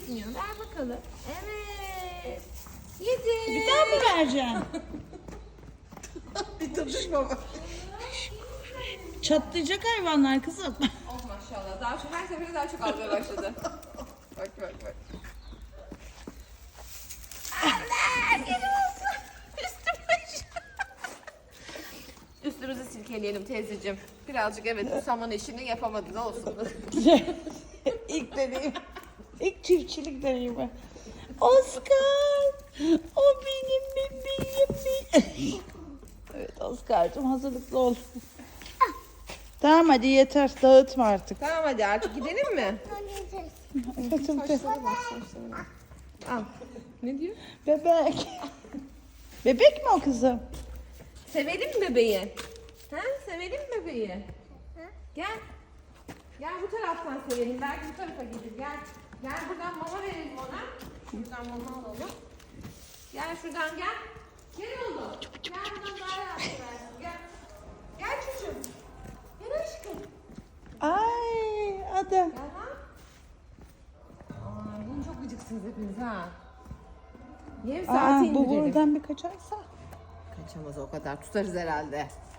düşünüyor. Ver bakalım. Evet. Yedi. Bir daha mı vereceksin? Bir tadış baba. Çatlayacak hayvanlar kızım. Oh maşallah. Daha çok, her seferinde daha çok almaya başladı. Bak bak bak. Üstümüzü silkeleyelim teyzeciğim. Birazcık evet bu saman işini yapamadı da olsun. İlk deneyim. İlk çiftçilik deneyimi. Oscar. O benim bebeğim. Evet Oscar'cığım hazırlıklı ol. Tamam hadi yeter dağıtma artık. Tamam hadi artık gidelim mi? Al. Ne diyor? Bebek. Bebek mi o kızım? Sevelim mi bebeği? Ha? Sevelim mi bebeği? Gel. Gel bu taraftan sevelim. Belki bu tarafa gelir. Gel. Gel buradan mama verelim ona. Şuradan mama alalım. Gel şuradan gel. Gel oğlum. Gel buradan daha rahat versin. Gel. Gel çocuğum. Gel aşkım. Ay ada. Gel ha. Aa, bugün çok gıcıksınız hepiniz ha. Yem saati Aa, bu indirelim. buradan bir kaçarsa. Kaçamaz o kadar. Tutarız herhalde.